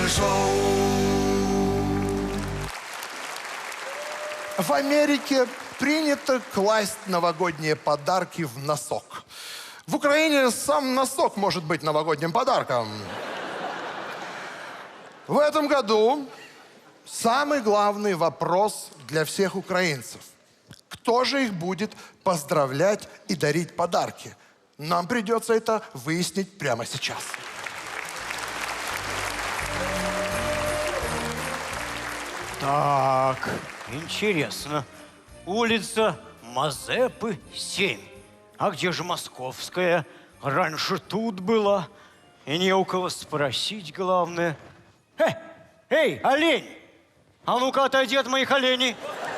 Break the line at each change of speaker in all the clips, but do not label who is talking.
шоу.
В Америке принято класть новогодние подарки в носок. В Украине сам носок может быть новогодним подарком. В этом году самый главный вопрос для всех украинцев. Кто же их будет поздравлять и дарить подарки? Нам придется это выяснить прямо сейчас.
Так, интересно. Улица Мазепы, 7. А где же Московская? Раньше тут была. И не у кого спросить, главное. Эй, олень! А ну-ка отойди от моих оленей.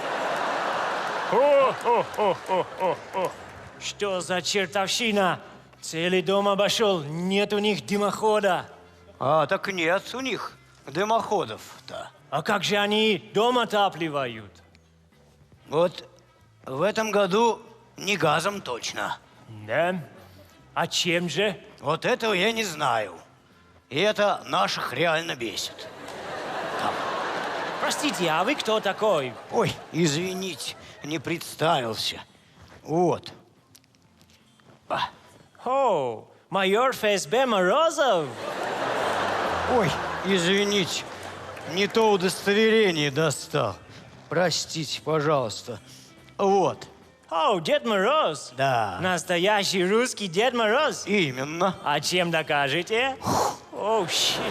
Что за чертовщина? Целый дом обошел, нет у них дымохода.
А, так нет у них дымоходов-то.
А как же они дом отапливают?
Вот в этом году не газом точно.
Да? А чем же?
Вот этого я не знаю. И это наших реально бесит.
Простите, а вы кто такой?
Ой, извините, не представился. Вот.
О, майор ФСБ Морозов.
Ой, извините, не то удостоверение достал. Простите, пожалуйста. Вот.
О, Дед Мороз.
Да.
Настоящий русский Дед Мороз.
Именно.
А чем докажете? О, щит.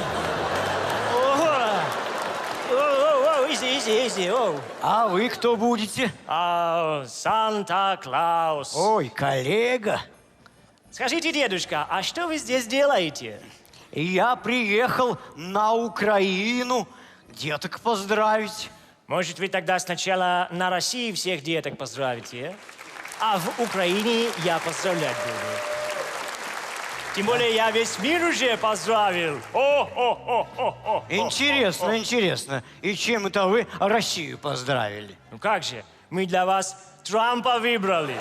Изи.
А вы кто будете?
Санта-Клаус.
Ой, коллега.
Скажите, дедушка, а что вы здесь делаете?
Я приехал на Украину деток поздравить.
Может, вы тогда сначала на России всех деток поздравите, а в Украине я поздравлять буду. Тем более я весь мир уже поздравил.
Интересно. И чем это вы Россию поздравили?
Ну как же, мы для вас Трампа выбрали.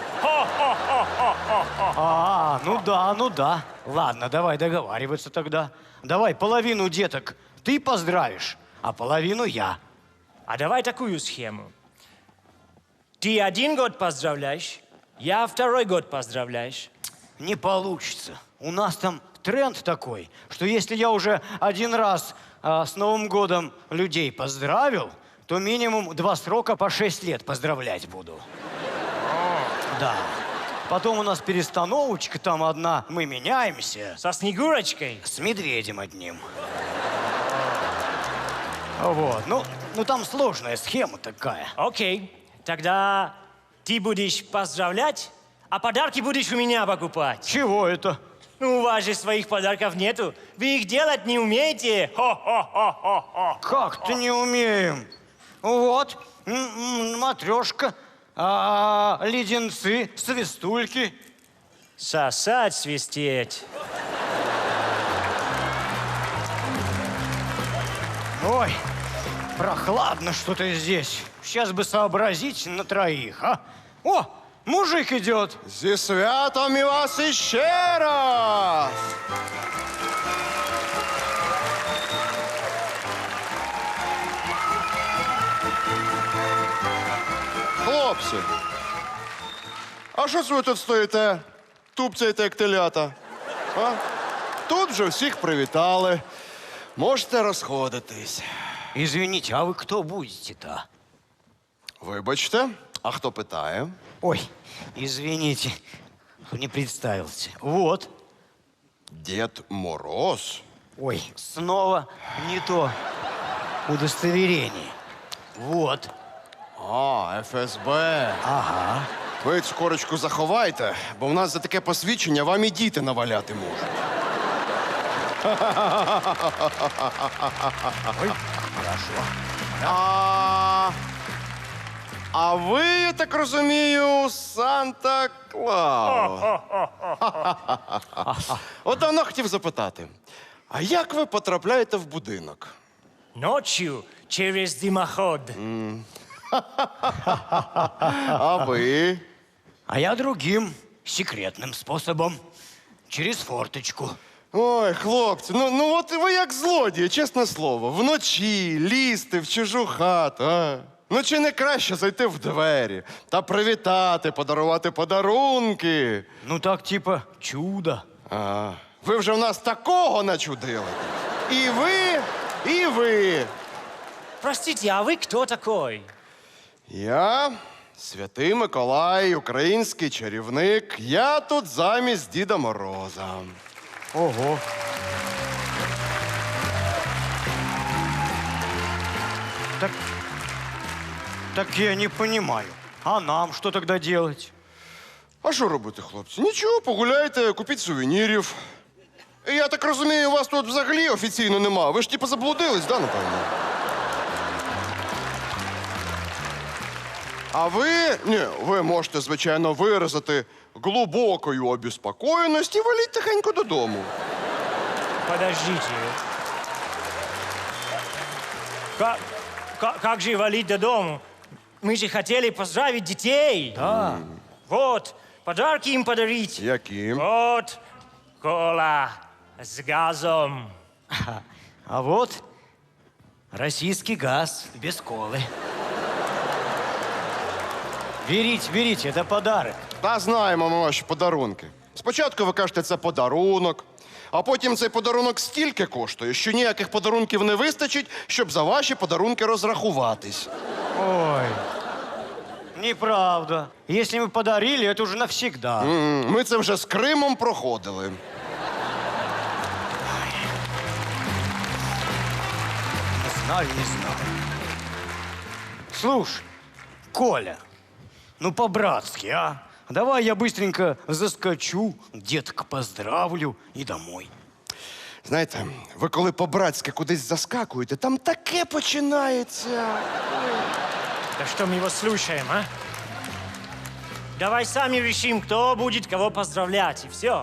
Ну да. Ладно, давай договариваться тогда. Давай половину деток ты поздравишь, а половину я.
А давай такую схему. Ты 1 год поздравляешь, я 2 год поздравляешь.
Не получится. У нас там тренд такой, что если я уже 1 раз с Новым годом людей поздравил, то минимум 2 срока по 6 лет поздравлять буду. Да. Потом у нас перестановочка там одна, мы меняемся.
Со Снегурочкой?
С медведем одним. Вот. Ну там сложная схема такая.
Окей. Тогда ты будешь поздравлять, а подарки будешь у меня покупать.
Чего это?
Ну, у вас же своих подарков нету. Вы их делать не умеете.
Как-то не умеем. Вот, матрешка, леденцы, свистульки.
Сосать, свистеть.
Ой, прохладно что-то здесь. Сейчас бы сообразить на 3, а? О, мужик идет.
Зі святом і вас іще раз! Хлопці, а що це ви тут стоїте? Тупцяєте, як телята? А? Тут вже всіх привітали. Можете розходитись.
Извините, а вы кто будете-то?
Вибачте, а хто питає?
Ой, извините, не представился. Вот.
Дед Мороз.
Ой, снова не то удостоверение. Вот.
А, ФСБ.
Ага.
Ви цю корочку заховайте, бо в нас за таке посвідчення вам і діти наваляти можуть.
Ой, хорошо.
А ви, я так розумію, Санта-Клаус. От давно хотів запитати, а як ви потрапляєте в будинок?
Ночью через дымоход.
А ви?
А я другим секретным способом. Через форточку.
Ой, хлопці, ну от ви як злодії, чесне слово. Вночі лізти в чужу хату, а? Ну чи не краще зайти в двері та привітати, подарувати подарунки?
Ну так, типа, чудо.
А, ви вже в нас такого начудили. І ви, і ви.
Простите, а вы кто такой?
Я Святий Миколай, український чарівник. Я тут замість Діда Мороза.
Ого. Так я не понимаю. А нам что тогда делать?
А що робити, хлопці? Нічого, погуляйте, купіть сувенірів. Я так розумію, у вас тут взагалі офіційно нема. Ви ж типу заблудились, да, напевно? А ви можете, звичайно, виразити глибокою обіспокоєність і валіть тихенько додому.
Подождите. Как же валить до дому? Мы же хотели поздравить детей.
Да.
Вот, подарки им подарить.
Яким?
Вот, кола с газом.
А вот российский газ без колы. Берите, это подарок.
Та знаємо ми ваші подарунки. Спочатку ви кажете, це подарунок, а потім цей подарунок стільки коштує, що ніяких подарунків не вистачить, щоб за ваші подарунки розрахуватись.
Ой, неправда. Если мы подарили, это уже навсегда.
Ми це вже з Кримом проходили.
Не знаю. Слушай, Коля, ну по-братски, а? Давай я быстренько заскочу, деток поздравлю и домой.
Знаєте, ви коли по-братськи кудись заскакуєте, там таке починається.
Да что мы его слушаем, а? Давай сами решим, кто будет кого поздравлять, и все.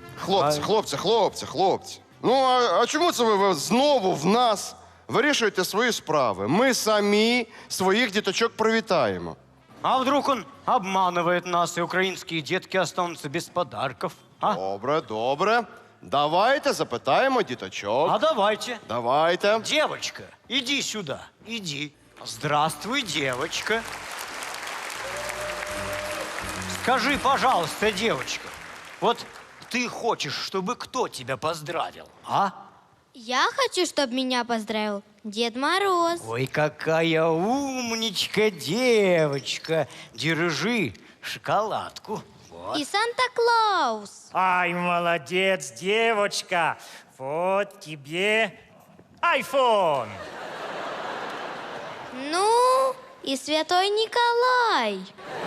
Хлопці. Ну, а чому це ви знову в нас вирішуєте свої справи? Ми самі своїх діточок привітаємо.
А вдруг он обманывает нас, и украинские детки останутся без подарков? А?
Добре. Давайте запитаємо діточок.
А давайте.
Давайте.
Девочка, иди сюда, иди. Здравствуй, девочка. Скажи, пожалуйста, девочка, вот ты хочешь, чтобы кто тебя поздравил, а?
Я хочу, чтобы меня поздравил Дед Мороз.
Ой, какая умничка девочка. Держи шоколадку. Вот.
И Санта-Клаус.
Ай, молодец, девочка. Вот тебе iPhone.
Ну, и Святой Николай.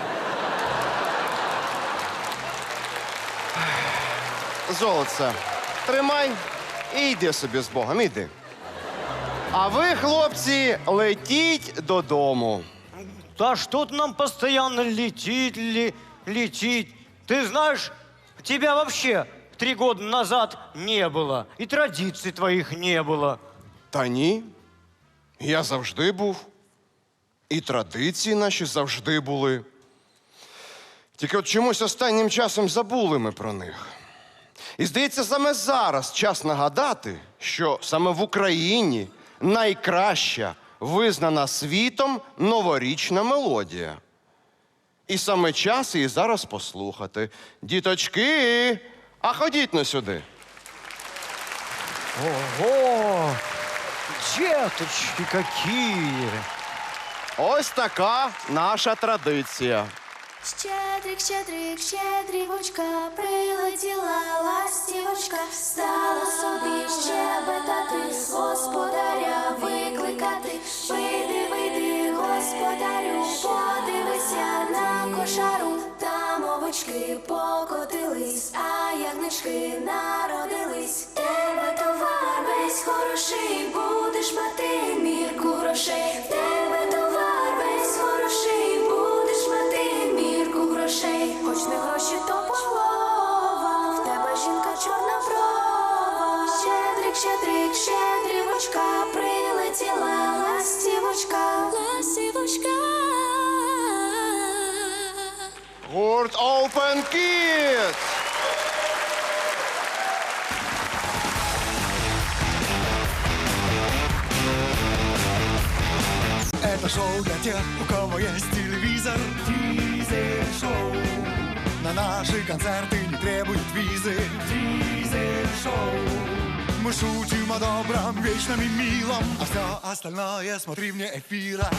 Золоце, тримай і йди собі з Богом, іди. А ви, хлопці, летіть додому.
Да что-то нам постоянно летит. Ты знаешь, тебя вообще 3 года назад не было. И традиций твоих не было.
Та ні, я завжди був. І традиції наші завжди були. Тільки от чомусь останнім часом забули ми про них. І, здається, саме зараз час нагадати, що саме в Україні найкраща, визнана світом новорічна мелодія. І саме час її зараз послухати. Діточки, а ходіть на сюди.
Ого! Деточки какие!
Ось така наша традиція.
Щедрик, щедрик, щедрівочка, прилетіла ластівочка, стала собі щебетати, господаря викликати. Вийди, вийди, господарю, подивися на кошару. Там овочки покотились, а ягнички народились. Тебе товар весь хороший, будеш мати мірку грошей. Тебе товар весь хороший, будеш мати мірку грошей. Хоч не гроші, то полова, в тебе жінка чорноброва. Щедрик, щедрик, щедрівочка, прилетіла ластівочка. Ластівочка.
Гурт Open Kids!
Это шоу для тех, у кого есть телевизор. Дизель-шоу. На наши концерты не требуют визы. Дизель-шоу. Мы шутим о добром, вечном и милом, а все остальное смотри вне эфира.